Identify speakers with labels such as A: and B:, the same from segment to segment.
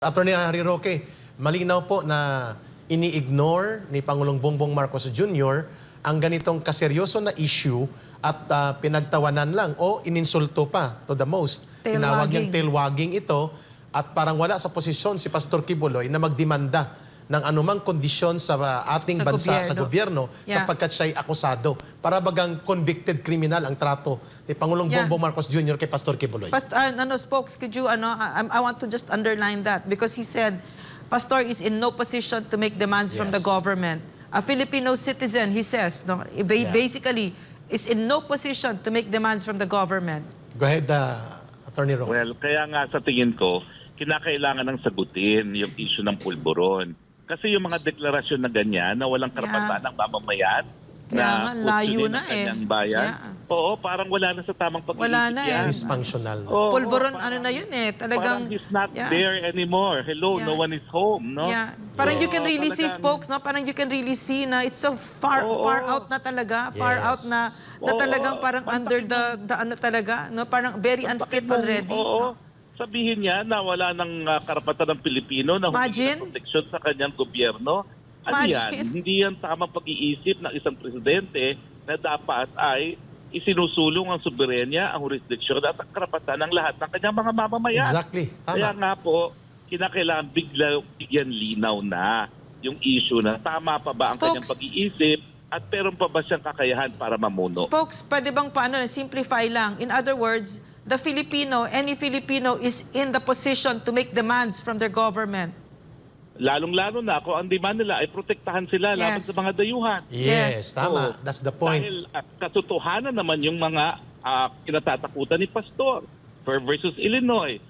A: Attorney Harry Roque, malinaw po na ini-ignore ni Pangulong Bongbong Marcos Jr. ang ganitong kaseryoso na issue at pinagtawanan lang o ininsulto pa to the most. Tinawag niyang tailwagging ito at parang wala sa posisyon si Pastor Kibuloy na magdemanda ng anumang kondisyon sa ating bansa, sa gobyerno, sapagkat siya'y akusado. Para bagang convicted criminal ang trato ni Pangulong Bongbong Marcos Jr. kay Pastor Kibuloy.
B: Spokes, could you, I want to just underline that because he said, Pastor is in no position to make demands from the government. A Filipino citizen, he says, basically, is in no position to make demands from the government.
A: Go ahead, Attorney Roque.
C: Well, kaya nga sa tingin ko, kinakailangan ng sagutin yung issue ng pulburon. Kasi yung mga deklarasyon na ganyan na walang karapatan ng mamamayan na
B: layo na
C: kanyang bayan, oo, parang wala na sa tamang pag-iisip
B: wala na
C: yan.
A: Dysfunctional.
B: Pulburon, ano na yun eh. Talagang,
C: parang he's not there anymore. Hello, no one is home, no?
B: Parang you can really see, Spokes, no? Parang you can really see na it's so far out na talaga. Far out na talagang parang under the ano talaga, no? Parang very unfit already.
C: Oo. Sabihin niya na wala ng karapatan ng Pilipino na humingi ng proteksyon sa kanyang gobyerno. Ano yan? Hindi yan tamang pag-iisip ng isang presidente na dapat ay isinusulong ang soberenya, ang jurisdiksyon at ang karapatan ng lahat ng kanyang mga mamamayan.
A: Exactly. Tama.
C: Kaya nga po, kinakailangan bigyan linaw na yung issue na tama pa ba ang kanyang pag-iisip at meron pa ba siyang kakayahan para mamuno.
B: Spokes, pwede bang simplify lang? In other words, the Filipino, any Filipino is in the position to make demands from their government.
C: Lalong-lalo na kung ang demand nila ay protektahan sila laban sa mga dayuhan.
A: Yes, tama. That's the point.
C: Dahil katotohanan naman yung mga kinatatakutan ni Pastor versus Illinois.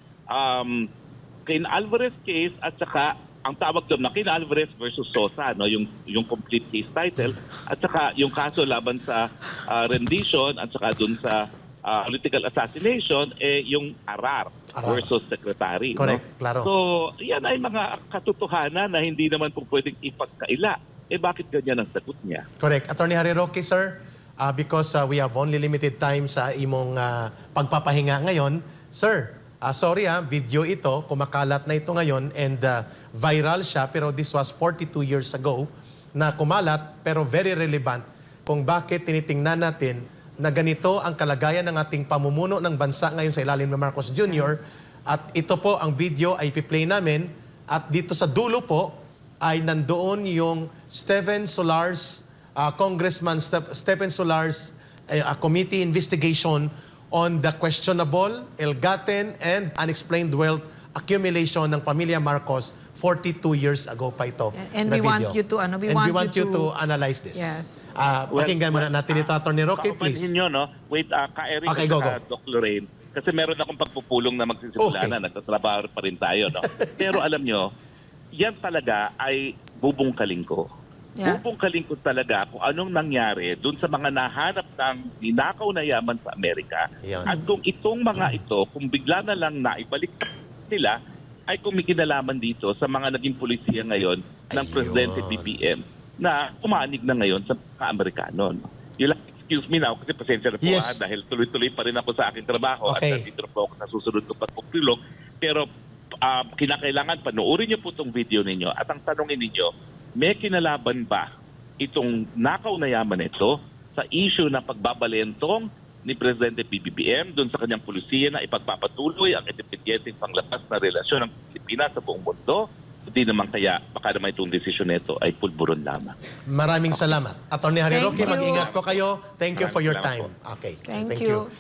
C: Cain Alvarez case at saka ang tawag doon na Cain Alvarez versus Sosa, no, yung complete case title, at saka yung kaso laban sa rendition at saka doon sa political assassination, yung Arar versus Secretary.
A: Correct,
C: no?
A: klaro.
C: So, yan ay mga katotohanan na hindi naman po pwedeng ipagkaila. Bakit ganyan ang sagot niya?
A: Correct. Attorney Harry Roque, sir, because we have only limited time sa imong pagpapahinga ngayon. Sir, sorry video ito, kumakalat na ito ngayon and viral siya, pero this was 42 years ago na kumalat, pero very relevant kung bakit tinitingnan natin na ganito ang kalagayan ng ating pamumuno ng bansa ngayon sa ilalim ng Marcos Jr. At ito po ang video ay ipi-play namin at dito sa dulo po ay nandoon yung Stephen Solar's, Congressman Stephen Solar's committee investigation on the questionable, ill-gotten and unexplained wealth accumulation ng pamilya Marcos 42 years ago pa ito.
B: And we want you to, we
A: want you to analyze this.
B: Yes.
A: Pakinggan muna natin ito, Attorney Roque, please.
C: Nyo, no? Wait, ka-Eric
A: Okay, go.
C: Doc Lorraine, kasi meron akong pagpupulong na magsisimula na, nagtatrabaho pa rin tayo, no? Pero alam nyo, yan talaga ay bubungkaling ko. Bubungkaling ko talaga kung anong nangyari dun sa mga nahanap ng ninakaw na yaman sa Amerika. At kung itong mga ito, kung bigla na lang naibalik nila, ay kung may kinalaman dito sa mga naging polisiya ngayon ng Presidente BBM na umanig na ngayon sa ka-Amerikano. No? Excuse me now, kasi pasensya na po dahil tuloy-tuloy pa rin ako sa aking trabaho at nandito po ako sa susunod ko pagpupulong. Pero kinakailangan panoorin niyo po itong video ninyo at ang tanongin ninyo, may kinalaban ba itong nakaw na yaman ito sa issue na pagbabalentong ni Presidente BBM doon sa kanyang pulisiya na ipagpapatuloy ang independyenteng panglabas na relasyon ng Pilipinas sa buong mundo? Hindi naman kaya baka naman itong desisyon nito ay pulburon lamang.
A: Maraming salamat. Attorney Harry Roque, mag-ingat po kayo. Thank you for your time. Okay.
B: Thank you.